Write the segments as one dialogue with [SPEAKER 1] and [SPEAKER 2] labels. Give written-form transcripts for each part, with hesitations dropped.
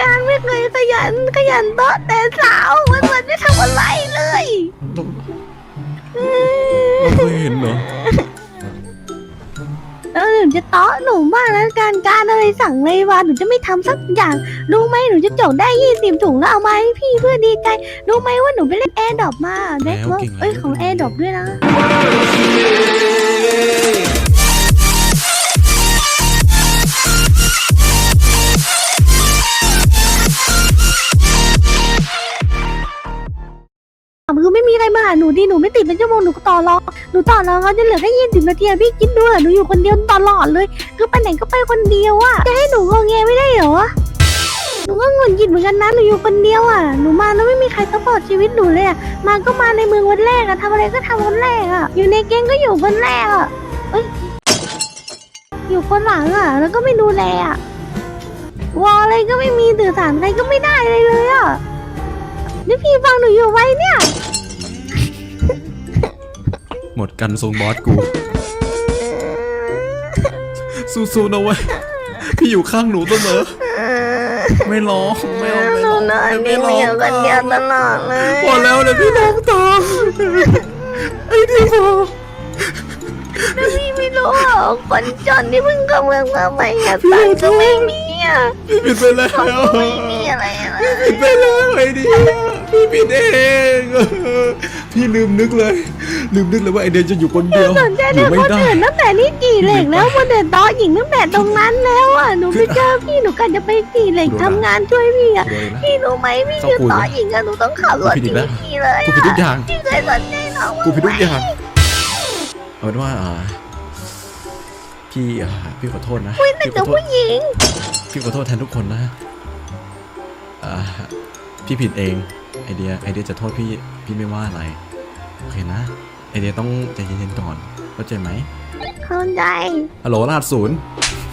[SPEAKER 1] การไม่เคยขยันโต๊ะแต่สาววันไม่ทำอะไรเลย
[SPEAKER 2] เราเคยเห็นเหรอ
[SPEAKER 1] แล้วหนูจะเตาะหนูมากแล้วการอะไรสั่งเลยว่าหนูจะไม่ทำสักอย่างรู้ไหมหนูจะจกได้20 ถุงแล้วเอามาให้พี่เพื่อดีใจรู้ไหมว่าหนูไปเล่นแอร์ดรอปมาแบ็คเวิร์กของแอร์ดรอปด้วยนะคือไม่มีอะไรมาหาหนูดิหนูไม่ติดเป็นชั่วโมงหนูต่อรองเขาจะเหลือแค่20 นาทีพี่คิดดูหนูอยู่คนเดียวตลอดเลยคือไปไหนก็ไปคนเดียวอะจะให้หนูงอแงไม่ได้เหรอหนูก็หงุดหงิดเหมือนกันนะหนูอยู่คนเดียวอะหนูมาแล้วไม่มีใครซัพพอร์ตชีวิตหนูเลยอะมาก็มาในเมืองวันแรกอะทำอะไรก็ทำวันแรกอะอยู่ในแก๊งก็อยู่วันแรกอะอยู่คนหลังอะแล้วก็ไม่ดูแลอะวอลอะไรก็ไม่มีสื่อสารอะไรก็ไม่ได้เลยอะนี่พี่ฟังหนูอยู่ไว้เนี่ย
[SPEAKER 2] หมดกันทรงบอสกูสู้ๆนะเว้ยพี่อยู่ข้างหนูเสมอไม่ร้องไม่ร้องไม่ร้องไม่ร้องกันเดียวตลอดเลยพอแล้วเลยพี่น้องตาไอ้ที่พอ
[SPEAKER 1] แล้วพี่ไม่รู้หรอคนจนที่เพิ่งกำเมืองมาใหม่อะตังก็ไม่มีอะ
[SPEAKER 2] พี่ผิดไปแล้ว
[SPEAKER 1] ไม่มีอะไร
[SPEAKER 2] พี่ผิดไปแล้วไอ้ดิพี่ผิดเองพี่ลืมนึกเลยว่าไอเดียจะอยู่คนเดียว
[SPEAKER 1] สนใจเด็กคนอื่นตั้งแต่นี่กี่เหล็กแล้วมาเดินต่อหญิงตั้งแต่ตรงนั้นแล้วอ่ะหนูไปเจอพี่หนูกันจะไปกี่เหล็กทำงานช่วยพี่อ่ะพี่รู้ไหมพี่คือต่อหญิงอะหนูต้องขับรถหนีพี่เลย
[SPEAKER 2] กูผิดทุกอย่าง
[SPEAKER 1] พี่เคยสนใจน้อง
[SPEAKER 2] กูผิดทุกอย่างเอาเป็นว่าพี่ขอโทษนะ
[SPEAKER 1] คุยแต่กับผู้หญิง
[SPEAKER 2] พี่ขอโทษแทนทุกคนนะพี่ผิดเองไอเดียจะโทษพี่ไม่ว่าอะไรโอเคนะไอเดียต้องใจเย็นๆก่อนเข้าใจไหม
[SPEAKER 1] เข้าใจ
[SPEAKER 2] ฮัลโหลราดศูนย์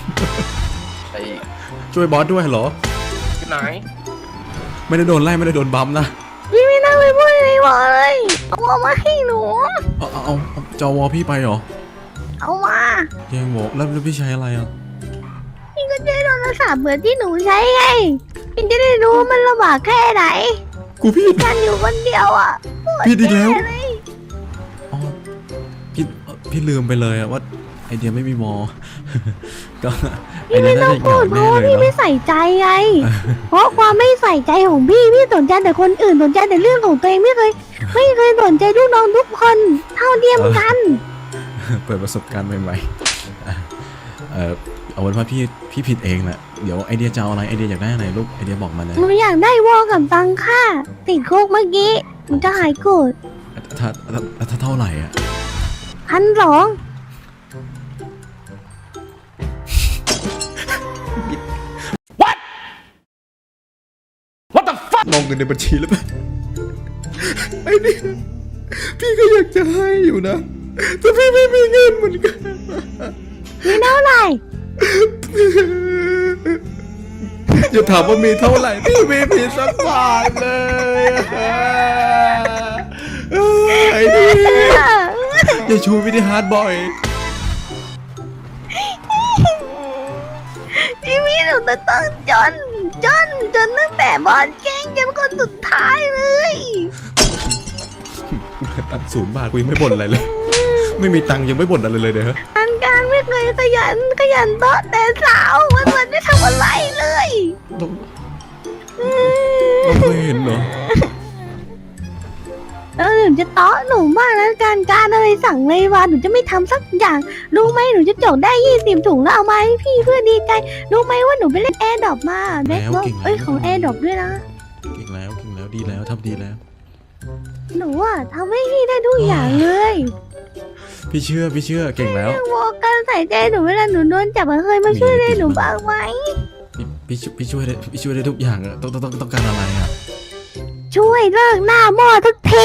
[SPEAKER 2] ช่วยบอสด้วยฮัลโหล
[SPEAKER 3] ที่ไหน
[SPEAKER 2] ไม่ได้โดนไล่ไม่ได้โดนบัมนะ
[SPEAKER 1] พี่ไม่นั่งไปพูดอะไรบอกเลยเอามาให้หนู
[SPEAKER 2] เอาจอวอพี่ไปเหรอ
[SPEAKER 1] เอามา
[SPEAKER 2] แย่งบอกแล้วพี่ใช้อะไรอ่ะ
[SPEAKER 1] พี่ก็ใช้โทรศัพท์เหมือนที่หนูใช้ไงพี่จะได้รู้มันลำบากแค่ไหน
[SPEAKER 2] กูพี่
[SPEAKER 1] กันอยู่คนเดียวอ่ะ
[SPEAKER 2] พี่ดีแล้วอ๋อพี่ลืมไปเลยว่าไอเดียไม่มีมอก็
[SPEAKER 1] พี่ไม่ต้องพูดเพราะว่าพี่ไม่ใส่ใจไงเพราะความไม่ใส่ใจของพี่สนใจแต่คนอื่นสนใจแต่เรื่องของตัวเองไม่เคยสนใจลูกน้องทุกคนเท่าเทียมกัน
[SPEAKER 2] เปิดประสบการณ์ใหม่ๆเอาเป็นว่าพี่ผิดเองแหละเดี๋ยวไอเดียจะเอาอะไรไอเดียอยากได้อะไรลูกไอเดียบอกมาเลย
[SPEAKER 1] หนูอยากได้วอกับตังค่าติดคุกเมื่อกี้หนูจะหายโกรธ
[SPEAKER 2] ถ้าเท่าไหร่อ่ะ
[SPEAKER 1] 1,200
[SPEAKER 2] มองเงินในบัญชีแล้วป่ะไอ้นี่พี่ก็อยากจะให้อยู่นะแต่พี่ไม่มีเงินเหมือนกัน
[SPEAKER 1] มีเท่าไหร่
[SPEAKER 2] อย่าถามว่ามีเท่าไหร่พี่ไม่มีสักบาทเลยไอ้นี่อย่าชูวิธีฮาร์ดบอย
[SPEAKER 1] พี่หนูต้องจนตั้งแต่บอลแกงจนคนสุดท้ายเลย
[SPEAKER 2] ตัด0 บาทกูยังไม่บ่นอะไรเลยไม่มีตังค์ยังไม่บ่นอะไรเลยเด้อ
[SPEAKER 1] การไม่เคยขยันโต๊ะแต่สาววันไม่ทำอะไรเลย
[SPEAKER 2] เราเคยเห็นเหรอ
[SPEAKER 1] แล้วหนูจะเตาะหนูมากแล้วการอะไรสั่งเลยว่าหนูจะไม่ทำสักอย่างรู้ไหมหนูจะจกได้20 ถุงแล้วเอามาให้พี่เพื่อดีใจรู้ไหมว่าหนูไปเล่นแอร์ดรอปมาแบ็คเวิร์กของแอร์ดรอปด้วยนะ
[SPEAKER 2] เก่งแล้วดีแล้วทำดีแล้ว
[SPEAKER 1] หนูอะทำให้พี่ได้ทุกอย่างเลย
[SPEAKER 2] พี่เชื่อเก่งแล้ว
[SPEAKER 1] วอกันใส่ใจหนูเวลาหนูโดนจับเคยมาช่วยได้หนูบ้างไหม
[SPEAKER 2] พี่ช่วยได้ทุกอย่างอะต้องการอะไรอะ
[SPEAKER 1] ช่วยเลิกหน้าหม้อทุกที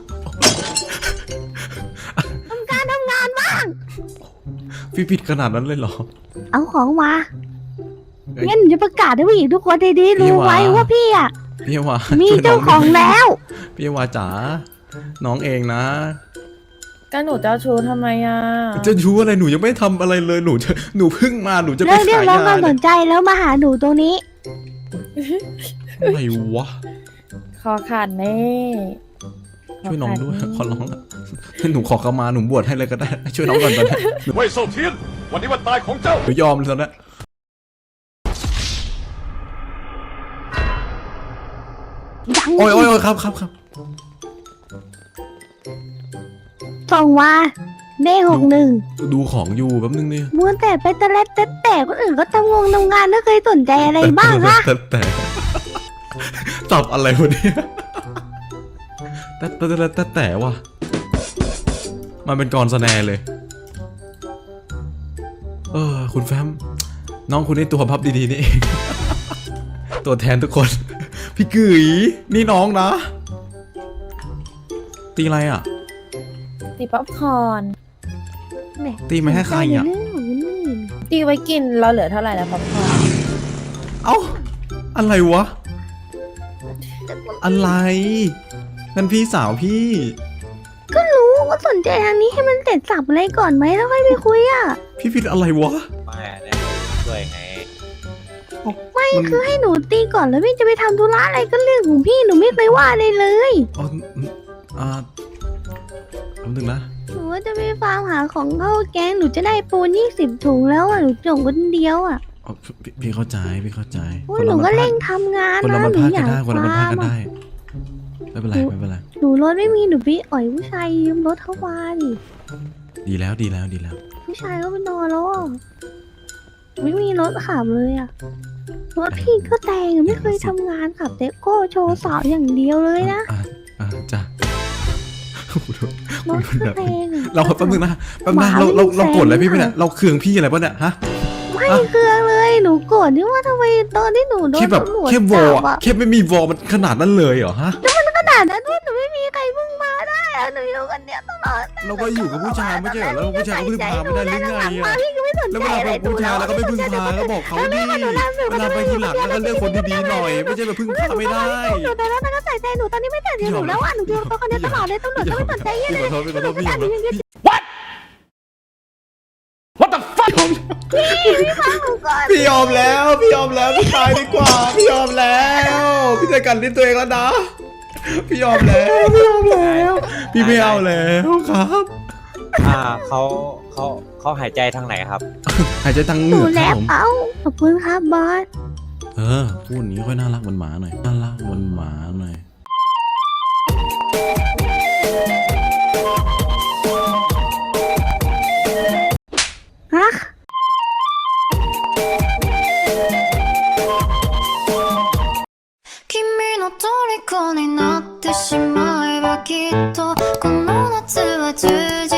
[SPEAKER 1] ทำงานบ้าง
[SPEAKER 2] พี่ผิดขนาดนั้นเลยเหรอ
[SPEAKER 1] เอาของมางั้นหนูจะประกาศให้ผู้หญิงทุกคนดีๆรู้ไว้ว่าพี่อะมีเจ้าของแล้ว
[SPEAKER 2] พี่วาจ๋าน้องเองนะ
[SPEAKER 4] ก็หนูเจ้าชู้ทำไมอ่ะ
[SPEAKER 2] จะชู้อะไรหนูยังไม่ทำอะไรเลยหนูเพิ่งมาหนูจะไปขายยา
[SPEAKER 1] เรียกร้องความสนใจแล้วมาหาหนูตรงนี้
[SPEAKER 2] อะไรวะ
[SPEAKER 4] คอขาดแน่
[SPEAKER 2] ช่วยน้องด้วยขอร้องละหนูขอเข้ามาหนูบวชให้เลยก็ได้ช่วยน้องก่อนตอนนี้
[SPEAKER 3] เว่ยเซาเทียน วันนี้วันตายของเจ้า
[SPEAKER 2] หนูยอมเลยตอนนี้
[SPEAKER 1] ยัง
[SPEAKER 2] โอ้ยครับ
[SPEAKER 1] ส่งมาเด้61
[SPEAKER 2] ดูของอยู่แป๊บนึงนี่
[SPEAKER 1] มัวแต่ไปตะเล็ดแต่คนอื่นก็ทำงานไม่เคยสนใจอะไรบ้างคะ
[SPEAKER 2] แต่ตอบอะไรวะเนี่ยแต่ว่ะมันเป็นกรสแนร์เลยคุณแฟมน้องคุณนี่ตัวพับดีๆนี่เอง ตัวแทนทุกคน พี่กุ๋ยนี่น้องนะ ตีอะไรอ่ะ
[SPEAKER 4] ตีป๊อปคอร์น
[SPEAKER 1] แหม
[SPEAKER 2] ตีไม่ให้ใครอ่ะ
[SPEAKER 1] เรื่องของนี่
[SPEAKER 4] ตีไว้กินเราเหลือเท่าไหร่แล้วป๊อปคอร์น
[SPEAKER 2] เอ้าอะไรวะ อะไรนั่นพี่สาวพี่
[SPEAKER 1] ก็รู้ก็สนใจทางนี้ให้มันเสร็จสับอะไรก่อนไหมแล้วค่อยไปคุยอ่ะ
[SPEAKER 2] พี่ผิดอะไรวะ
[SPEAKER 5] ไม่เนี่ยช่วยไง
[SPEAKER 1] ไม่คือให้หนูตีก่อนแล้วพี่จะไปทำธุระอะไรก็เรื่องของพี่หนูไม่เคยว่าเลยเลย
[SPEAKER 2] อ๋อแป๊บนึงนะ
[SPEAKER 1] หนูว่าจะไปฟาร์มหาของเข้าแกงหนูจะได้ปูน20 ถุงแล้วอ่ะหนูส่งคนเดียวอ่ะ
[SPEAKER 2] อ๋อพี่เข้าใจ
[SPEAKER 1] โอ้ยหนูก็เร่งทำงาน
[SPEAKER 2] คนละ
[SPEAKER 1] นะ
[SPEAKER 2] มัน
[SPEAKER 1] หนู
[SPEAKER 2] พลาด
[SPEAKER 1] อ
[SPEAKER 2] กัน
[SPEAKER 1] ยาก
[SPEAKER 2] ได้คนละมันพลาดกัน
[SPEAKER 1] ฟาร์ม
[SPEAKER 2] ได้
[SPEAKER 1] อะ
[SPEAKER 2] ไม่เป็นไร
[SPEAKER 1] หนูรถไม่มีหนูไปอ่อยผู้ชายยืมรถเข้ามาดิ
[SPEAKER 2] ดีแล้ว
[SPEAKER 1] ผู้ชายก็ไปนอนแล้วอ่ะไม่มีรถขับเลยอ่ะรถพี่ก็แต่งไม่เคยทำงานขับแต่ก็โชว์สาวอย่างเดียวเลยนะ
[SPEAKER 2] จ้ะ
[SPEAKER 1] รถก็แต่งอะ
[SPEAKER 2] เราแป๊บนึงนะเราโกรธอะไรพี่ไปเนี่ยเราเคืองพี่อะไรปะเนี่ยฮะ
[SPEAKER 1] ไม่เครื่องเลยหนูโกรธที่ว่าทำไมตอนที่หนูโดน
[SPEAKER 2] แค่แบบ
[SPEAKER 1] ตำรวจ
[SPEAKER 2] แค่วอ
[SPEAKER 1] จั
[SPEAKER 2] ล
[SPEAKER 1] บอ่ะ
[SPEAKER 2] แค่ไม่มีวอลมันขนาดนั้นเลยเหรอฮะ
[SPEAKER 1] ขนาดนั้นด้วยหนูไม่มีใครพึ่งมาได้อะหนูอยู่กันเนี้ยตลอด
[SPEAKER 2] เราก็อยู่กับผู้ชายไม่ใช่เหรอแล้วผู้ชายก็พึ่งพาไม่ได้หรือไง
[SPEAKER 1] มา
[SPEAKER 2] อะ
[SPEAKER 1] พี่ก็ไม่สน
[SPEAKER 2] แล้ว
[SPEAKER 1] ใจ
[SPEAKER 2] เวลา
[SPEAKER 1] อะไร
[SPEAKER 2] เป็นผู้ชายแล้วก็ไม่พึ่งพาก็บอกเขาดิเวลาไปทีหลังแล้วก็เลือกคนดีๆหน่อย ไม่ใช่แบบพึ่งพาไม่ได้
[SPEAKER 1] หนูแต่แล้วมันก็ใส่ใจหนูตอนนี้ไม่แต่ใจหนูแล้วอ่ะหนูอยู่กับคนเนี้ยตลอดเลยตำรวจก็ไม่สนใจเยอะ
[SPEAKER 2] พี่
[SPEAKER 1] เลย
[SPEAKER 2] ขอโทษพี่ยอม
[SPEAKER 3] What the fuck
[SPEAKER 2] พี่ยอมแล้วพี่ตายดีกว่าพี่ยอมแล้วพี่จะกันที่ตัวเองแล้วนะพี่ยอมแล้วพี่ไม่เอาแล้วครับ
[SPEAKER 5] เขาหายใจทางไหนครับ
[SPEAKER 2] หายใจทางเห
[SPEAKER 1] ห
[SPEAKER 2] งื
[SPEAKER 1] นู
[SPEAKER 2] อกค
[SPEAKER 1] แล้
[SPEAKER 2] รับ
[SPEAKER 1] ว
[SPEAKER 2] ผม
[SPEAKER 1] เอ้าขอบคุณครับบอส
[SPEAKER 2] พูดอย่างนี้ค่อยน่ารักเหมือนหมาหน่อยน่ารักเหมือนหมาหน่อย
[SPEAKER 1] ฮะ
[SPEAKER 6] 君の虜になってしまえばきっとこの夏は充実